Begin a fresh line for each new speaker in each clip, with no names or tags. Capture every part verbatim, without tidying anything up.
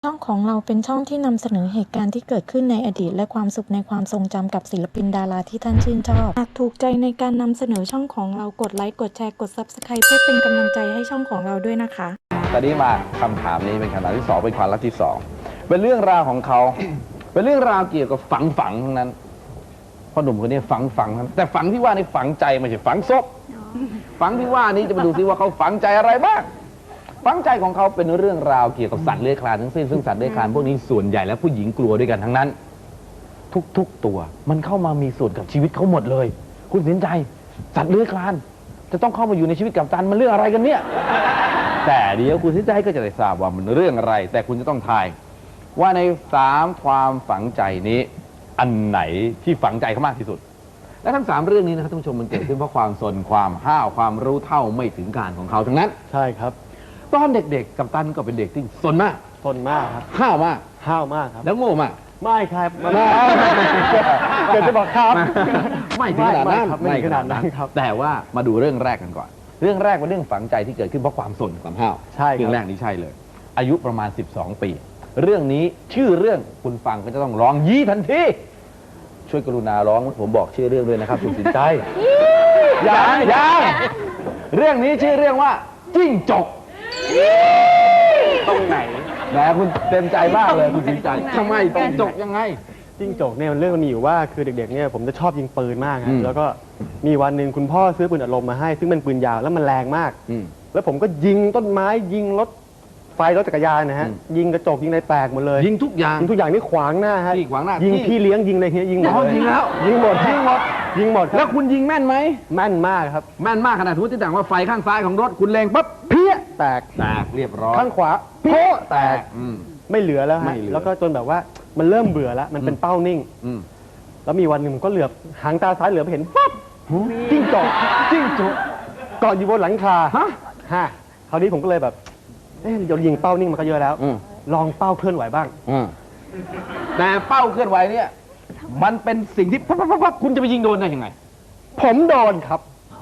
ช่องของเราเป็นช่องที่นำเสนอเหตุการณ์ที่เกิดขึ้นในอดีตและความสุขในความทรงจำกับศิลปินดาราที่ท่านชื่นชอบหากถูกใจในการนำเสนอช่องของเรากดไลค์กดแชร์กด ซับสไครบ์ เพื่อเป็นกำลังใจให้ช่องของเราด้วยนะคะ
ตอนนี้มาคำถามนี้เป็นคำถามที่สองเป็นความรักที่สองเป็นเรื่องราวของเขา เป็นเรื่องราวเกี่ยวกับฝังฝังทั้งนั้นพ่อหนุ่มคนนี้ฝังฝังทั้งแต่ฝังที่ว่านี่ฝังใจไม่ใช่ฝังศพฝังที่ว่านี้จะมาดูซิว่าเขาฝังใจอะไรบ้างฝังใจของเขาเป็นเรื่องราวเกี่ยวกับสัตว์เลื้อยคลานทั้งสิ้นซึ่งสัตว์เลื้อยคลานพวกนี้ส่วนใหญ่แล้วผู้หญิงกลัวด้วยกันทั้งนั้นทุกๆตัวมันเข้ามามีส่วนกับชีวิตเขาหมดเลยคุณสินใจสัตว์เลื้อยคลานจะต้องเข้ามาอยู่ในชีวิตกัปตันมันเรื่องอะไรกันเนี่ยแต่เดี๋ยวคุณสินใจก็จะได้ทราบว่ามันเรื่องอะไรแต่คุณจะต้องทายว่าในสามความฝังใจนี้อันไหนที่ฝังใจเขามากที่สุดและทั้งสามเรื่องนี้นะครับท่านผู้ชมมันเกิดขึ้นเพราะความสนความห้าวความรู้เท่าไม่ถึงการของเขาทั้งนั้น
ใช่ครับ
ตอนเด็กๆกัปตันก็เป็นเด็กที่สนมาก
สนมากครับ
ห้าวมาก
ห้าวมากครับ
แล้วโง่มาก
ไม่ครับไม่เกิดจะบอกครับ
ไม่ถึงขนาดนั้น
ไม่ขนาดนั้นครับ
แต่ว่ามาดูเรื่องแรกกันก่อนเรื่องแรกเป็นเรื่องฝังใจที่เกิดขึ้นเพราะความสนความห้าว
ใช่
เรื่องแรกนี้ใช่เลยอายุประมาณสิบสองปีเรื่องนี้ชื่อเรื่องคุณฟังก็จะต้องร้องยี่ทันทีช่วยกรุณาร้องผมบอกชื่อเรื่องด้วยนะครับคุณสินใจยังยังเรื่องนี้ชื่อเรื่องว่าจิ้งจก
ตรงไหน
แหมคุณเต็มใจมากเลยคุณสินใจทำไมจิ้งจกยังไง
จิ้งจกเนี่ยมันเรื่องมันมีอยู่ว่าคือเด็กๆเนี่ยผมจะชอบยิงปืนมากครับแล้วก็มีวันหนึ่งคุณพ่อซื้อปืนอัดลมมาให้ซึ่งเป็นปืนยาวแล้วมันแรงมากแล้วผมก็ยิงต้นไม้ยิงรถไฟรถจักรยานนะฮะยิงกระจกยิงอะไรแตกหมดเลย
ยิงทุกอย่าง
ยิงทุกอย่างนี่ขวางหน้าฮะ
ขวางหน้า
ยิงพี่เลี้ยงยิงอะไรเงี้ยยิงหมด
ยิงแล้ว
ยิงหมดยิงหมดยิงหมด
แล้วคุณยิงแม่นไหม
แม่นมากครับ
แม่นมากขนาดทุกที่ต่างว่าไฟข้างซ้ายของรถคุณเล็งปั๊บเพี้ย
แตก
แตกเรียบร้อย
ข้างขวาโป๊ะแตกไม่เหลือแล้วฮะแล้วก็จนแบบว่ามันเริ่มเบื่อแล้วมันเป็นเป้านิ่งแล้วมีวันหนึ่งผมก็เหลือบหางตาซ้ายเหลือบไปเห็นปั๊บจิ้งจกจิ้งจกเกาะอยู่บนหลังคาฮะฮะคราวนี้ผมก็เลยแบบเอ๊ะเรายิงเป้านิ่งมันก็เยอะแล้วลองเป้าเคลื่อนไหวบ้าง
แต่เป้าเคลื่อนไหวเนี่ยมันเป็นสิ่งที่ปั๊บปั๊บปั๊บคุณจะไปยิงโดนได้ยังไง
ผมโดนครับ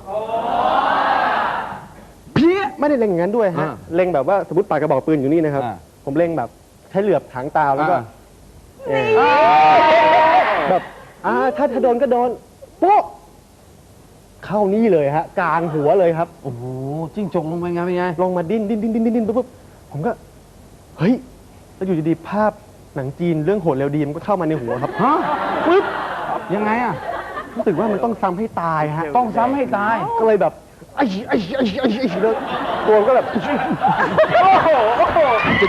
เพี้ยไม่ได้เล็งอย่างนั้นด้วยฮะเล็งแบบว่าสมมติปากกระบอกปืนอยู่นี่นะครับผมเล็งแบบใช้เหลือบหางตาแล้วก็แบบอ่าถ้าถ้าโดนก็โดนโป๊ะเข้านี่เลยฮะกลางหัวเลยครับ
โอ้โหจิ้งจกลงไปไงเป็นไง
ลงมาดิ้นดิ้นดิ้นดิ้นดิ้นปุ๊บผมก็เฮ้ยแล้วอยู่ดีๆภาพหนังจีนเรื่องโหดเร็วดีมันก็เข้ามาในหัวครับ
ฮะปึ๊บยังไงอ่ะ
รู้สึกว่ามันต้องซ้ำให้ตายฮะ
ต้องซ้ำให้ตาย
ก็เลยแบบไอ้ไอ้ไอ้ไอ้ไอ้แล้วตัวก็แบบโอ้โหโอ้โห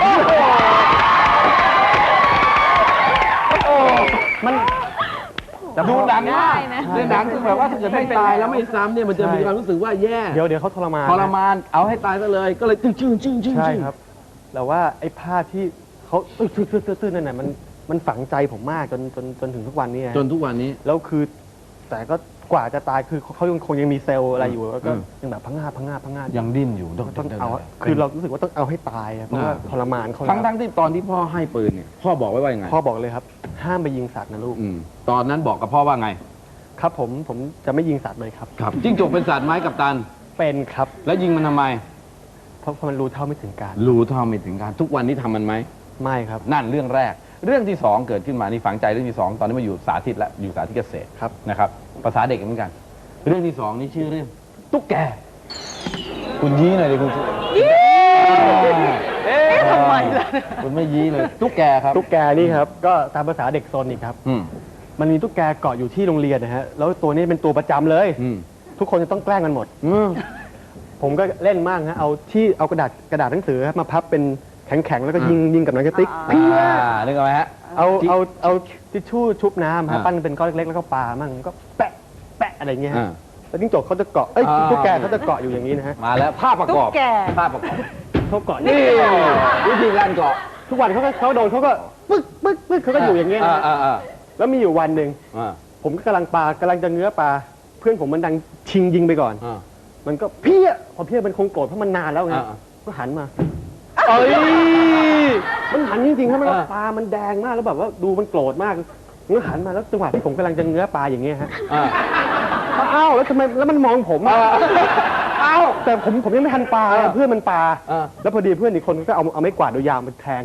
โอ้โหมัน
ดูหนังมากในหนังคือแบบว่าถ้าเกิดไม่ตายแล้วไม่ซ้ำเนี่ยมันจะมีความรู้สึกว่าแย่
เดี๋ยวเดี๋ยวเขาทรมาน
ทรมานเอาให้ตายซะเลยก็เลยจึ้งจึ้งจึ้งจึ้ง
ใช่ครับแต่ว่าไอ้ภาพที่เขาตื้อตื้อตื้อตื้อนั่นน่ะมันมันฝังใจผมมากจนจนจนถึงทุกวันนี้
จนทุกวันนี้
แล้วคือแต่ก็กว่าจะตายคือเขายังคงยังมีเซลล์อะไรอยู่แล้วก็ยังแบบพังงาพังงาพังงา
ยังดิ้นอยู่
ต้องเอาคือเรารู้สึกว่าต้องเอาให้ตายเพราะว่าทรมานเขา
ทั้งทั้งที่ตอนที่พ่อให้ปืนเนี่ยพ่อบอกไว้ว่ายังไง
พ่อบอกเลยครับห้ามไปยิงสัตว์นะลูก
ตอนนั้นบอกกับพ่อว่าไง
ครับผมผมจะไม่ยิงสัตว์เลยครับ
ครับจิ้งจกเป็นสัตว์ไม้กัปตัน
เป็นครับ
แล้วยิงมันทำไม
เพราะมันรู้เท่าไม่ถึงการ
รู้เท่าไม่ถึงการทุกวันนี้ทำมันไหม
ไม่ครับ
นั่นเรื่องแรกเรื่องที่สองเกิดขึ้นมานี่ฝังใจเรื่องที่สองตอนนี้มาอยู่สาธิตแล้วอยู่สาธิตเกษตร
ครับ
นะครับภาษาเด็กเหมือนกันเรื่องที่สองนี่ชื่อเรื่องตุ๊กแกคุณยี้หน่อยดิคุณ
ยี้เอ๊ะทำไมล่ะ
คุณไม่ยี้เลยตุ๊กแกครับ
ตุ๊กแกนี่ครับก็ตามภาษาเด็กโซนอีกครับมันมีตุ๊กแกเกาะอยู่ที่โรงเรียนนะฮะแล้วตัวนี้เป็นตัวประจำเลยทุกคนจะต้องแกล้งกันหมดผมก็เล่นมากฮะเอาที่เอากระดาษกระดาษหนังสือมาพับเป็นแข็งๆแล้วก็ยิงยิงกับหนังกระติก
เพี้ยนึกออกไหมฮะ
เอาเอาเอาทิชชู่ชุบน้ำฮะปั้นเป็นก้อนเล็กๆแล้วก็ปามั่งก็แปะแปะอะไรเงี้ยฮะแล้วจิ้งจกเขาจะเกาะเอ้ยตุ๊กแกเขาจะเกาะอยู่อย่างนี้นะฮะ
มาแล้วภาพประกอบภาพประกอบ
เขาเกาะ
นี่วิธีการเกาะ
ทุกวันเขาก็เขาโดนเขาก็ปึ๊กปึ๊กปึ๊กเขาก็อยู่อย่างเงี้ยแล้วมีอยู่วันหนึ่งผมก็กำลังปลากำลังจะเงื้อปลาเพื่อนผมมันดังชิงยิงไปก่อนมันก็เพี้ยพอเพี้ยมันคงโกรธเพราะมันนานแล้วไงก็หันมาเอ้ยมันหันจริงๆครับมันปลามันแดงมากแล้วแบบว่าดูมันโกรธมากมันก็หันมาแล้วจังหวะที่ผมกำลังจะเงื้อปลาอย่างเงี้ยฮะอ้าวแล้วทำไมแล้วมันมองผมอ้าวแต่ผมผมยังไม่ทันปลาเพื่อนมันปลาแล้วพอดีเพื่อนอีกคนก็เอาเอาไม้กวาดยาวมาแทง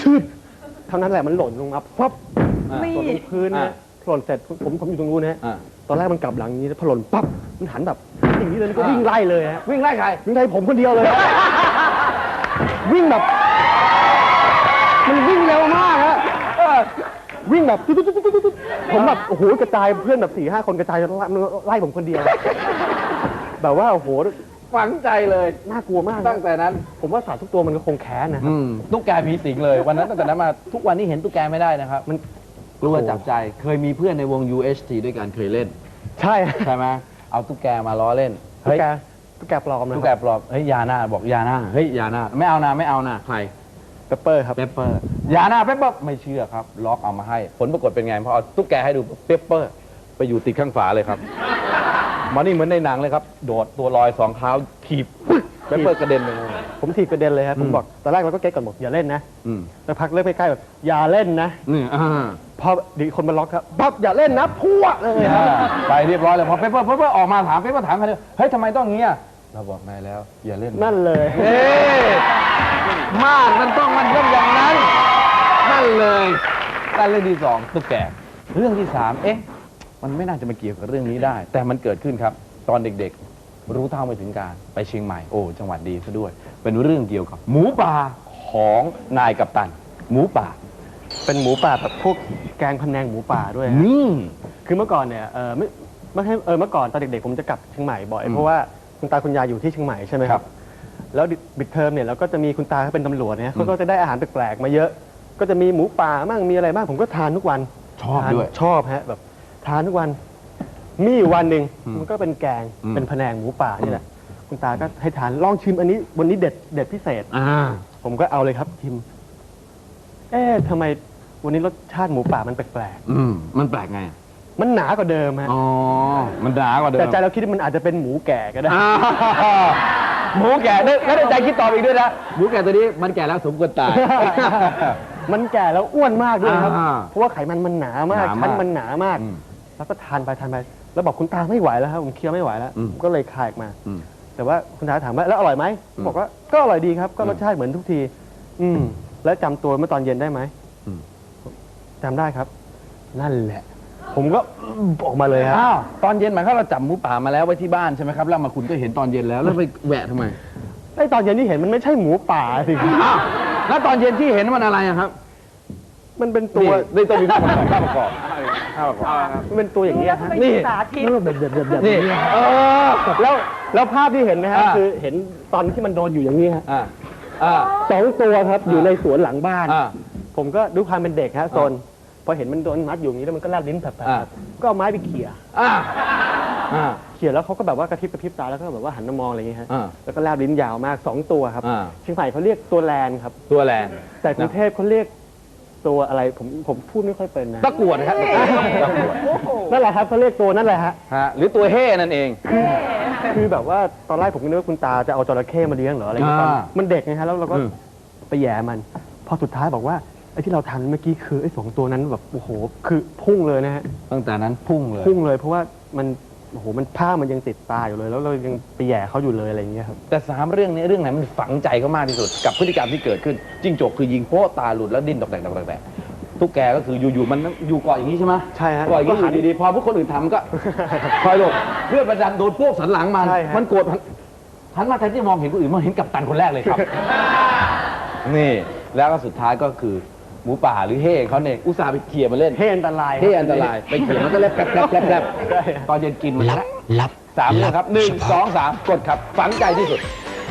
ชืดเท่านั้นแหละมันหล่นลงมาปั๊บ
อ่า
หล่นลงพื้นนะหล่นเสร็จผมผมอยู่ตรงนู้นนะฮะ
อ่า
ตอนแรกมันกลับหลังอย่างนี้พอหล่นปั๊บมันหันแบบอย่างนี้เลยแล้วก็วิ่งไล่เลยฮะ
วิ่งไล่ใคร
วิ่งไล่ผมคนเดียวเลยฮะ วิ่งแบบ มันวิ่งเร็วมากฮะเออวิ่งแบบตุ๊ดตุ๊ดตุ๊ดตุ๊ดตุ๊ดผมแบบโอ้โหกระจายเพื่อนแบบสี่ห้าคนกระจายไล่ไล่ผมคนเดียว แบบว่าโอ้โห
ฝังใจเลย
น่ากลัวมากนะ
ตั้งแต่นั้น
ผมว่าสัตว์ทุกตัวมันก็คงแค้นนะครับ
อืมตุ๊กแกผีสิงเลยวันนั้นตั้งแต่นั้นมาทุกวันนี้เห็นตุ๊กแกไม่ได้นะครับ
มัน
กลัวจับใจเคยมีเพื่อนในวง ยู เอช ที ด้วยกันเคยเล่น
ใช่ฮะ
ใช่ไหมเอาตุ๊กแกมาล้อเล่น
ตุ๊
เฮ้
ก
ย
แกตุ๊กแกปลอมนะ
ตุ๊กแกปลอมเฮ้ยยาหน้าบอกยาหน้าเฮ้ยยาหน้าไม่เอานะไม่เอานะใคร
เปปเปอร์ครับ
เปปเปอร์ยาหน้าเปปเปอร์ไม่เชื่อครับล็อกเอามาให้ผลปรากฏเป็นไงพอเอาตุ๊กแกให้ดูเปปเปอร์ไปอยู่ติดข้างฝาเลยครับมันนี่เหมือนในหนังเลยครับโดดตัวลอยสองเท้าถีบเปปเปอร์กระเด็นไปเลย
ผมถีบกระเด็นเลยครับ
อื
ผม มบอกตอนแรกเราก็เก๊กก่อนบอกอย่าเล่นนะ
อืม
สักพักเริ่มใกล้ๆแบบอย่าเล่นนะ
นี่อ่า
พอดีคนมาล็อกครับปั๊บอย่าเล่นนะพัวเลยครับ
ไปเรียบร้อยเลยพอเปปเปอร์เปปเปอร์ออกมาถามเปปเปอร์ถามใครเฮ้ยทำไมต้องงี้อ่ะเราบอกนายแล้วอย่าเล่น
นั่นเลย
เอ๊มากมันต้องมันต้องอย่างนั้นนั่นเลยการเรื่องที่สองตุ๊กแกเรื่องที่สามเอ๊ะมันไม่น่าจะมาเกี่ยวกับเรื่องนี้ได้ แต่มันเกิดขึ้นครับ ตอนเด็กๆ รู้เท่าไม่ถึงการไปเชียงใหม่โอ้จังหวัดดีซะด้วย เป็นเรื่องเกี่ยวกับ หมูป่าของนายกัปตัน หมูป่า
เป็นหมูป่าแบบพวกแกงพะแนงหมูป่าด้วยฮะ
นี่
คือเมื่อก่อนเนี่ยเออไม่ไม่ให้เออเมื่อก่อนตอนเด็กๆผมจะกลับเชียงใหม่บ่อย
อืม
เพราะว่าคุณตาคุณยายอยู่ที่เชียงใหม่ใช่ไหมค
ครั
รับ
บ
แล้วบิดเทอมเนี่ยเราก็จะมีคุณตาเขาเป็นตำรวจเนี่ยเขาก็จะได้อาหารแปลกๆมาเยอะ ก็จะมีหมูป่ามั่งมีอะไรบ้างผมก็ทานทุกวัน
ชอบ
ทาน
ด้วย
ชอบฮะแบบทานทุกวัน มีอยู่วันหนึ่ง
อืม
มันก็เป็นแกง
อืม
เป็นพะแนงหมูป่านี่แหละคุณตาก็ให้ทานลองชิมอันนี้วันนี้เด็ดเด็ดพิเศษ
อ่า
ผมก็เอาเลยครับชิม เอ๊ะทำไมวันนี้รสชาติหมูป่ามันแปลก
อืมมันแปลกไง
ๆมันหนากว่าเดิมฮะ
อ๋อมันหนากว่าเดิม
แต่ใจเราคิดว่ามันอาจจะเป็นหมูแก่ก็ได้
อ่าหมูแก่ได้ไม่ได้ใจคิดตอบอีกด้วยนะหมูแก่ตัวนี้มันแก่แล้วสมควรตาย
มันแก่แล้วอ้วนมากด้วยครับ
อ่า
เพราะว่าไขมันมันหนามาก
หนามาก
ชั้นมันหนามาก
อืม
แล้วก็ทานไปทานไป แล้วบอกคุณตาไม่ไหวแล้วครับผมเคี้ยวไม่ไหวแล้ว
อืม
ผมก็เลยคายออกมา
อืม
แต่ว่าคุณตาถามว่าแล้วอร่อยไหม
อืม
บอกว่าก็อร่อยดีครับ ก็
อืม
รสชาติเหมือนทุกที อืม แล้วจำตัวเมื่อตอนเย็นได้ไหม
อืม
จำได้ครับ นั่นแหละ ผมก็ออกมาเลยครับ
อ้าวตอนเย็นหมายความเราจับหมูป่ามาแล้วไว้ที่บ้านใช่ไหมครับแล้วมาคุณก็เห็นตอนเย็นแล้วแล้วไปแหวะทำไม
ไอ้ตอนเย็นที่เห็นมันไม่ใช่หมูป่าสิ
อ้าวแล้วตอนเย็นที่เห็นมันอะไรอะครับ
มันเป็นตัว
นี่ต้องมีภาพประกอบภาพประกอบภาพประกอบ
มันเป็นตัวอย่างนี้ยฮะ
นี่
สาธิต
แล้วแบบแบบแบบแบบ
นี่
นี้
เออ
แล้วแล้วภาพที่เห็นนะฮะ
อ่า
คือเห็นตอนที่มันโดนอยู่อย่างนี้ฮะ
อ่าอ่า
สองตัวครับอยู่ในสวนหลังบ้าน
อ่า
ผมก็ดูความเป็นเด็กฮะโซนพอเห็นมันโดนมัดอยู่อย่างนี้แล้วมันก็แลบลิ้นแผลบ
อ่า
ๆก็เอาไม้ไปเขี่ย
อ่าอ่า
เขี่ยแล้วเขาก็แบบว่ากระพริบกระพริบตาแล้วก็แบบว่าหันมามองอะไรอย่างเงี้ยฮะ
อ่า
แล้วก็แลบลิ้นยาวมากสองตัวครับ
อ่า
เชียงใหม่เขาเรียกตัวแลนครับ
ตัวแลน
แต่กรุงเทพเขาเรียกตัวอะไรผมผมพูดไม่ค่อยเป็นนะ
ตะกรวดนะครับตะกรวด
นั่นแหละครับเขาเรียกตัวนั่นแหละฮะ
ฮะหรือตัวเฮ่นั่นเอง
คือแบบว่าตอนแรกผมก็นึกว่าคุณตาจะเอาจระเข้มาเลี้ยงเหรออะไรอย่างเงี้ย
อ่า
มันเด็กไงฮะแล้วเราก็
อืม
ไปแหย่มัน พอสุดท้ายบอกว่าไอ้ที่เราทานเมื่อกี้คือไอ้สองตัวนั้นแบบโอ้โหคือพุ่งเลยนะฮะ
ตั้งแต่นั้นพุ่งเลย
พุ่งเลยเพราะว่ามันโอ้โหมันผ้ามันยังติดตาอยู่เลย แล้วเรายังไปแหย่เขาอยู่เลยอะไรอย่างเงี้ยครับ
แต่สามเรื่องนี้เรื่องไหนมันฝังใจเขามากที่สุดกับพฤติกรรมที่เกิดขึ้นจิ้งจกคือยิงโป๊ะตาหลุดแล้วดิ้นตกแตกตกแตกตกแตกตุ๊กแกก็คืออยู่ๆมันอยู่เกาะอย่างนี้ใช่ไหม
ใช่ฮะ
เกาะอย่างนี้อยู่ดีๆพอพวกคนอื่นทำก็ คอยหลบเพื่อนประดันโดนพวกสันหลังมัน
ใช่ฮะ
มันโกรธมันหันมาแทนที่จะมองเห็นคนอื่นมันเห็นกัปตันคนแรกเลยครับ นี่แล้วก็สุดท้ายก็คือหมูป่าหรือเฮ่เขาเนี่ยอุตส่าห์ไปเขี่ยมาเล่น
เท่อันตราย
เฮ่อันตรายไปเขี่ยมันก็เล็บแผลบแผลบแผลบแผลบ
ใช่ฮะ
ตอนเย็นกินมัน
ลับ
ละ
ลับ
สามเรื่องครับหนึ่งสองสามกดครับฝังใจที่สุด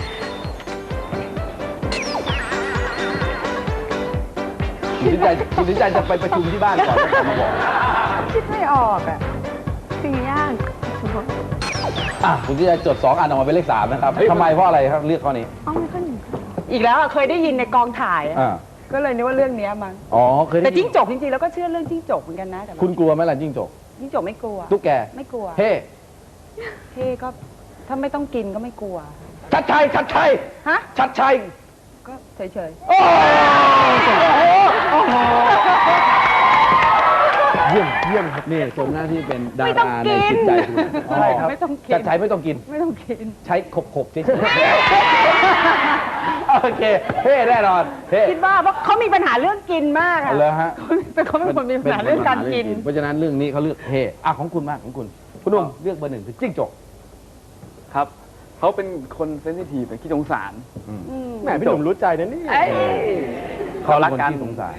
คุณสินใจคุณสินใจจะไปประชุมที่บ้านก่อนแล้วมาบอก
คิดไม่ออกอ่ะสิ่งยาก
อ่ะคุณสินใจจดสองอันออกมาเป็นเลขสามนะครับทำไมเพราะอะไรครับเลือกข้อนี้
อ๋อไม่ก็หนึ่งอีกแล้วอะเคยได้ยินในกองถ่ายอะ
อ่า
ก็เลยนึกว่าเรื่องเนี้ยมั้ง
อ๋อเคยได้
แต่
ยิ
จิ้
น
งจกจริงๆแล้วก็เชื่อเรื่องจิ้งจกเหมือนกันนะแต่ว่า
คุณกลัวไหมล่ะจิ้งจก
จิ้งจกไม่กลัว
ตุ๊กแก
ไม่กลัว
เฮ่
เท่ก็ถ้าไม่ต้องกินก็ไม่กลัว
ชัดชัยชัดชัย
ฮะ
ชัดชัย
ก็เฉย
โอ้โหโอ้โห
เยี่ยมเยี่ยมครับ
นี่สมหน้าที่เป็นดา
ไม่ต้อ
ราง ใน
กิน
จิตใจคุณ
ใช่ครับ
ไม่ต้องกิน
ชัดชัยไม่ต้องกิน
ไม่ต้องกิน
ใช้ขบขบๆเฉยโอเคเท่แน่นอนเท่
คิดว่าเพราะเขามีปัญหาเรื่องกินมากอะ
เอาเลยฮะ
เป็นเขาเป็นคนมีปัญหาเรื่องการกิน
เพราะฉะนั้นเรื่องนี้เขาเลือกเท่อ่ะของคุณมากของคุณคุณหนุ่มเลือกเบอร์หนึ่งคือจิ้งจก
ครับเขาเป็นคนเซนซิทีฟเป็นขี้สงสาร
แหมพี่หนุ่มรู้ใจนะนี่
เอ้ย
เขารักกัน
ป็คที่สงสาร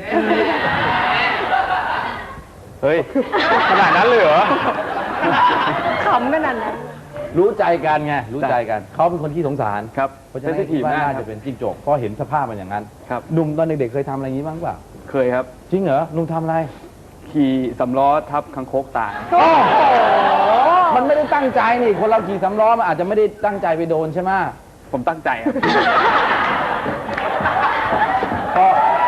เฮ้ย ขนาดนั้นเลยเหรอ
ขำขนาดนั้น
รู้ใจกันไงรู้ใจกันเขาเป็นคนที่สงสาร
ครับ
เพราะฉะ
เซน
นั้น
ซิที
คิ
ฟ
ดว่า
มาก
น่า
ครั
จะ
บ
เป็นจิ้งจกเพราะเห็นสภาพมันอย่างนั้น
ครับ
หนุ่มตอนเด็กๆเคยทำอะไรอย่างนี้บ้างเปล่า
เคยครับ
จริงเหรอหนุ่มทำอะไร
ขี่สำล้อทับคังคกตาย
มันไม่ได้ตั้งใจนี่คนเราขี่สำล้อมันอาจจะไม่ได้ตั้งใจไปโดนใช่ไหม
ผมตั้งใจครับ
ก็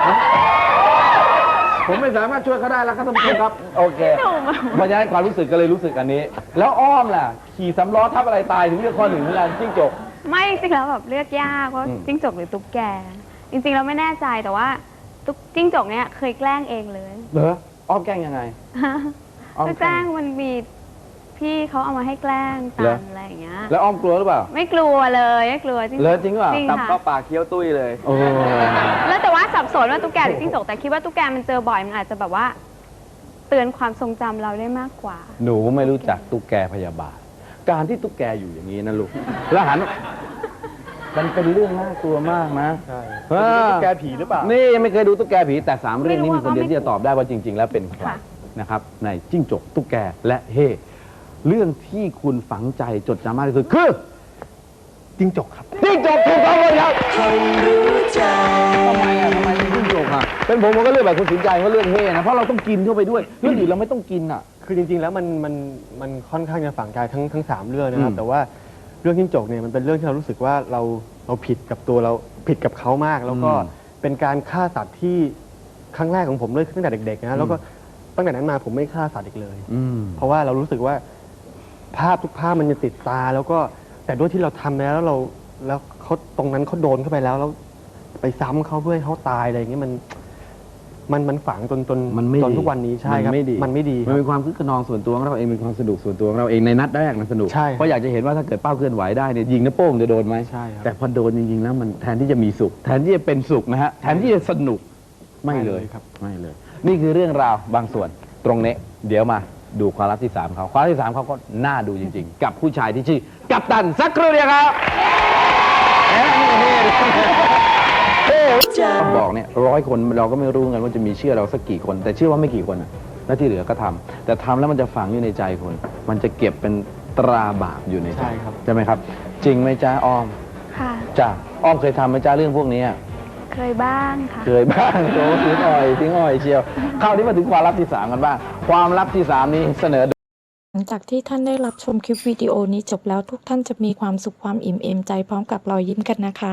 ผมไม่สามารถช่วยเขาได้แล้วครับท่านผู้ชมครับโอเคเพราะฉะนั้นความรู้สึกก็เลยรู้สึกอันนี้ แล้วอ้อมล่ะขี่สำล้อทับอะไรตายถึงเลือกข้อหนึ่งเหมือนกันจิ้งจก
ไม่จริงๆแล้วแบบเลือกยากว่า
อืม
จิ้งจกหรือตุ๊กแก จริงๆเราไม่แน่ใจแต่ว่าตุ๊กจิ้งจกเนี้ยเคยแกล้งเองเลย
เหรออ้อมแกล้งยังไง อ้อม
ก็แกล้งมันมีพี่เขาเอามาให้แกล้ง
เหร
ตั
อ
นอะไรอย่างเงี้ย
แล้วอ้อมกลัวหรือเปล่า
ไม่กลัวเลยไม่กลัวจริง
เหรอจริงเปล่า
จริง
ตับ
ค่ะ
เข้าปากเคี้ยวตุ้ยเลย
โอ้
แล้วแต่ว่าสับสนว่าตุ๊กแกหรือจิ้งจกแต่คิดว่าตุ๊กแกมันเจอบ่อยมันอาจจะแบบว่า เตือนความทรงจำเราได้มากกว่า
หนูไม่รู้จักตุ๊กแกพยาบาท การที่ตุ๊กแกอยู่อย่างนี้นะลูกแล้วหันมันเป็นเรื่องน่ากลัวมากนะ
ใช่
เออ
ตุ๊กแกผีหรือเปล่า
นี่ไม่เคยดูตุ๊กแกผีแต่สามเรื่องนี้
ไม่
มี
รู้
คนเดียว
ว่า
ที่จะตอบได้ว่าจริง ๆ แล้วเป็นใคร
ค่ะ
นะครับ ในจิ้งจกตุ๊กแกและเฮ่เรื่องที่คุณฝังใจจดจำมากที่สุดคือ
จิ้งจกครับ
จิ้งจกถูกต้องเลยครับทำไมอ่ะทำไมเป็นจิ้งจกอ่ะเป็นผมผมก็เลือกแบบคุณสินใจว่าเรื่องเฮ่นะเพราะเราต้องกินเข้าไปด้วยเรื่องอื่นเราไม่ต้องกินอ่ะ
คือจริงๆ แล้วมันมันมันค่อนข้างจะฝังใจทั้งทั้งสามเรื่องนะครับ
อืม
แต่ว่าเรื่องจิ้งจกเนี่ยมันเป็นเรื่องที่เรารู้สึกว่าเราเราผิดกับตัวเราผิดกับเขามาก แล้วก็เป็นการฆ่าสัตว์ที่ครั้งแรกของผมเลยตั้งแต่เด็กๆนะแล้วก็ตั้งแต่นั้นมาผมไม่ฆ่าสัตว์อีกเลย
อืม
เพราะว่าเรารู้สึกว่าภาพทุกภาพมันจะติดตา แล้วก็แต่ด้วยที่เราทำแล้วแล้วเราแล้วเขาตรงนั้นเขาโดนเข้าไปแล้วแล้วไปซ้ำเขาเพื่อให้เขาตายอะไรอย่างเงี้ยมันมันมันฝังจนจน
มันไม่
จน
ดี
ทุกวันนี้ใช่ครับ
มันไม่ดี
มันไม่ดีค
มัน
รับ
เป็นความคึกขนองส่วนตัวของเราเองเป็นความสนุกส่วนตัวของเราเองในนัดแรกมันสนุก
ใช่ครับ
เพราะอยากจะเห็นว่าถ้าเกิดเป้าเคลื่อนไหวได้เนี่ยยิงนิ้วโป้งจะโดนไหม
ใช่ครับ
แต่พอโดนจริงๆแล้วมันแทนที่จะมีสุข แทนที่จะเป็นสุขนะฮะแทนที่จะสนุกไม่เลย
ครับ
ไม่เลย นี่คือเรื่องราวบางส่วนตรงนี้เดี๋ยวมาดูความลับที่สามเขาความลับที่สามเขาก็น่าดูจริง ๆ กับผู้ชายที่ชื่อกัปตันสักครู่เดียวครับแหมนี่เฮ้ต้องบอกเนี่ยร้อยคนเราก็ไม่รู้กันว่าจะมีเชื่อเราสักกี่คน แต่เชื่อว่าไม่กี่คนอะแล้วที่เหลือก็ทำแต่ทำแล้วมันจะฝังอยู่ในใจคน มันจะเก็บเป็นตราบาปอยู่ในใจ
ใช่ครับ
ใช่ไหมครับ จริงไหมจ้าอ้อม
ค่ะ
จ้าอ้อมเคยทำไหมจ้าเรื่องพวกนี้อะ
เคยบ้างค่ะ
เคยบ้างโอ้ทิ้งอ่อยทิ้งอ่อยเชียวคราวนี้มาถึงความลับที่สามกันบ้างความลับที่สามนี้เสนอ
หลังจากที่ท่านได้รับชมคลิปวิดีโอนี้จบแล้วทุกท่านจะมีความสุขความอิ่มเอมใจพร้อมกับรอยยิ้มกันนะคะ